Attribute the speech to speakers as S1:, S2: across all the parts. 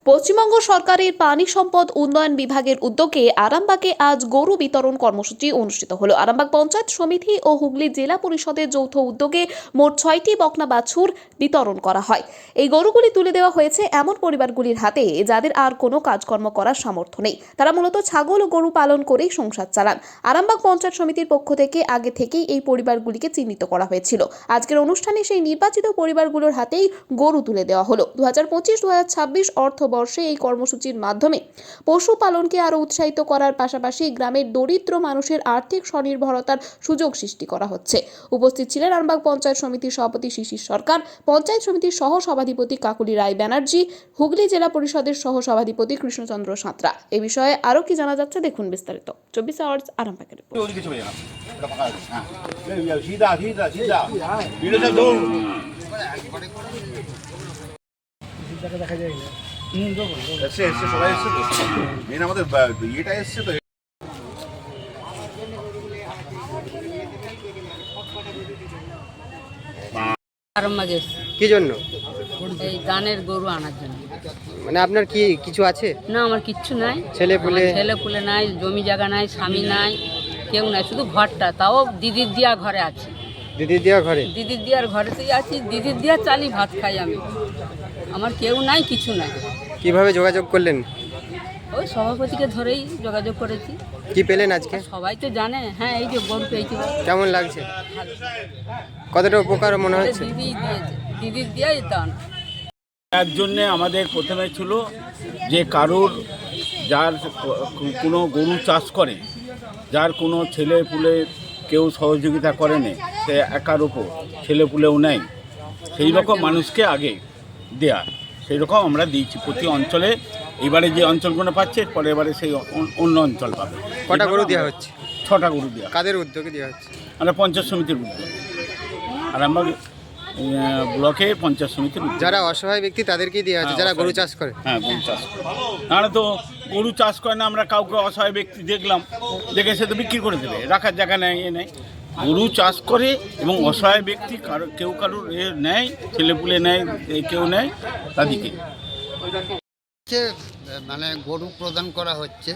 S1: পশ্চিমবঙ্গ সরকারের পানি সম্পদ উন্নয়ন বিভাগের উদ্যোগে আরামবাগে আজ গরু বিতরণ কর্মসূচি অনুষ্ঠিত হলো। আরামবাগ পঞ্চায়েত সমিতি ও হুগলি জেলা পরিষদের যৌথ উদ্যোগে মোট 6টি বকনা বাছুর বিতরণ করা হয়। এই গরুগুলি তুলে দেওয়া হয়েছে এমন পরিবারগুলির হাতে যাদের আর কোনো কাজকর্ম করার সামর্থ্য নেই। তারা মূলত ছাগল ও গরু পালন করেই সংসার চালান। আরামবাগ পঞ্চায়েত সমিতির পক্ষ থেকে আগে থেকেই এই পরিবারগুলিকে চিহ্নিত করা হয়েছিল। আজকের অনুষ্ঠানে সেই নির্বাচিত পরিবারগুলোর হাতেই গরু তুলে দেওয়া হলো। 2025-2026 অর্থ বর্ষে এই কর্মসূচির মাধ্যমে পশুপালনকে আরো উৎসাহিত করার পাশাপাশি গ্রামের দরিদ্র মানুষের আর্থিক স্বনির্ভরতার সুযোগ সৃষ্টি করা হচ্ছে। উপস্থিত ছিলেন আরামবাগ পঞ্চায়েত সমিতির সভাপতি শিশির সরকার, পঞ্চায়েত সমিতির সহ সভাধিপতি কাকুলি রায় ব্যানার্জি, হুগলি জেলা পরিষদের সহ সভাধিপতি কৃষ্ণচন্দ্র সাঁতরা। এ বিষয়ে আরো কি জানা যাচ্ছে দেখুন বিস্তারিত। 24 আওয়ার্স আরামবাগের
S2: দেখা যায়
S3: সবাই এসছে তো মেন আমাদের ইয়েটা এসছে তো।
S4: আরামবাগে
S2: কি জন্য?
S4: এই দানের গরু আনার জন্য।
S2: মানে আপনার কি কিছু আছে?
S4: না, আমার কিচ্ছু নাই।
S2: ছেলে
S4: পুলে নাই, জমি জায়গা নাই, স্বামী নাই, কেউ নাই, শুধু ঘরটা, তাও দিদির দিয়া ঘরে আছি।
S2: দিদির দেওয়া ঘরে?
S4: দিদির দিয়ার ঘরেতেই আছি, দিদির দিয়া চালি ভাত খাই আমি। আমার কেউ নাই, কিছু নাই।
S2: কিভাবে যোগাযোগ করলেন?
S4: ওই সভাপতিকে ধরেই যোগাযোগ করেছি।
S2: কি পেলেন আজকে?
S4: সবাই তো জানে। হ্যাঁ, এই যে গরু পেয়েছি।
S2: কেমন লাগছে? কতটা উপকার মনে হচ্ছে?
S4: দিদির দিয়াই দান।
S5: তার জন্যে আমাদের প্রথমে ছিল যে কারোর যার কোনো গরু চাষ করে, যার কোনো ছেলে পুলে কেউ সহযোগিতা করে না, সে একার ওপর ছেলে পুলেও নেয়, সেই রকম মানুষকে আগে দেয়া, সেই রকম আমরা দিয়েছি প্রতি অঞ্চলে। এবারে যে অঞ্চলগুলো পাচ্ছে, পরের বারে সেই অন্য অঞ্চল পাবে।
S2: কটা গরু দেওয়া হচ্ছে?
S5: 6টা গরু দেওয়া।
S2: কাদের উদ্যোগে দেওয়া হচ্ছে?
S5: আমরা পঞ্চায়েত সমিতির উদ্যোগে, আর আমরা ব্লকে পঞ্চায়েত সমিতির উদ্যোগে।
S2: যারা অসহায় ব্যক্তি তাদেরকেই দেওয়া হচ্ছে, যারা গরু চাষ করে।
S5: হ্যাঁ, গরু চাষ করে। নাহলে তো গরু চাষ করে না, আমরা কাউকে অসহায় ব্যক্তি দেখলাম, দেখে সে তো বিক্রি করে দেবে, রাখার জায়গা নেই, এ নেই। গরু চাষ করে এবং অসহায় ব্যক্তি কেউ কারোর এ নেয়, ছেলেপুলে নেয়, কেউ নেয়, তাদেরকে
S6: মানে গরু প্রদান করা হচ্ছে।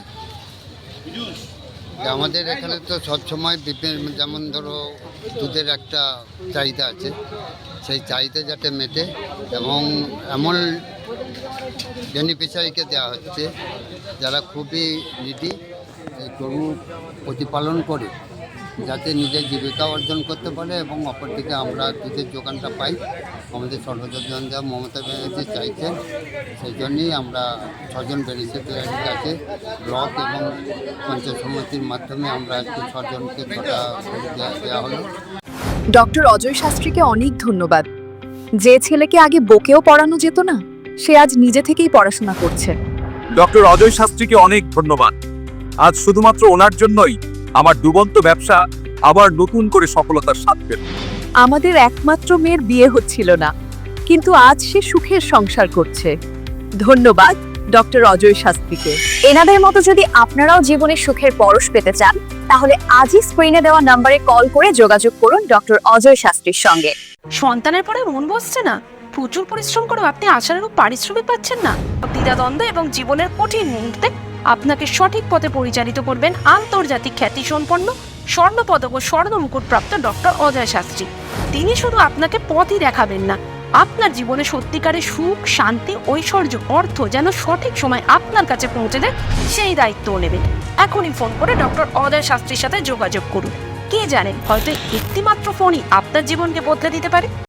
S6: আমাদের এখানে তো সবসময় বিভিন্ন, যেমন ধরো দুধের একটা চাহিদা আছে, সেই চাহিদা যাতে মেটে এবং এমন বেনিফিশিয়ারিকে দেওয়া হচ্ছে যারা খুবই নিডি, এই গরু প্রতিপালন করে যাতে নিজের জীবিকা অর্জন করতে পারে এবং অপরদিকে আমরা দুধের যোগানটা পাই। আমাদের সর্বজন যা মমতা ব্যানার্জি চাইছেন, সেই জন্যই আমরা 6জন বেনিফিশিয়ারির কাছে ব্লক এবং পঞ্চায়েত সমিতির মাধ্যমে আমরা একটু 6জনকে 6টা দেওয়া হলো।
S7: ডক্টর অজয় শাস্ত্রীকে অনেক ধন্যবাদ। যে ছেলেকে আগে বকেও পড়ানো যেত না, সে আজ নিজে থেকেই পড়াশোনা করছে।
S8: ডক্টর অজয় শাস্ত্রীকে অনেক ধন্যবাদ। আজ শুধুমাত্র ওনার জন্যই আমার ডুবন্ত ব্যবসা আবার নতুন করে সফলতার স্বাদ পেল।
S7: আমাদের একমাত্র মেয়ের বিয়ে হচ্ছিল না, কিন্তু আজ সে সুখের সংসার করছে। ধন্যবাদ ডক্টর অজয় শাস্ত্রীকে। এনাদের মতো যদি আপনারাও জীবনে সুখের পরশ পেতে চান, তাহলে আজই স্ক্রিনে দেওয়া নম্বরে কল করে যোগাযোগ করুন ডক্টর অজয় শাস্ত্রীর সঙ্গে।
S9: সন্তানের পরে মন বসছে না, প্রচুর পরিশ্রম করেও আপনি আশানুরূপ পারিশ্রমিক পাচ্ছেন না, দ্বিধাদ্বন্দ্ব এবং জীবনের কঠিন মুহূর্তে আপনাকে সঠিক পথে পরিচালিত করবেন আন্তর্জাতিক খ্যাতিসম্পন্ন স্বর্ণপদক ও স্বর্ণ মুকুটপ্রাপ্ত ডক্টর অজয় শাস্ত্রী। তিনি শুধু আপনাকে পথই দেখাবেন না, আপনার জীবনে সত্যিকারের সুখ, শান্তি, ঐশ্বর্য, অর্থ যেন সঠিক সময় আপনার কাছে পৌঁছে দেয়, সেই দায়িত্বও নেবেন। এখনই ফোন করে ডক্টর অজয় শাস্ত্রীর সাথে যোগাযোগ করুন। কে জানেন, হয়তো একটিমাত্র ফোনই আপনার জীবনকে বদলে দিতে পারে।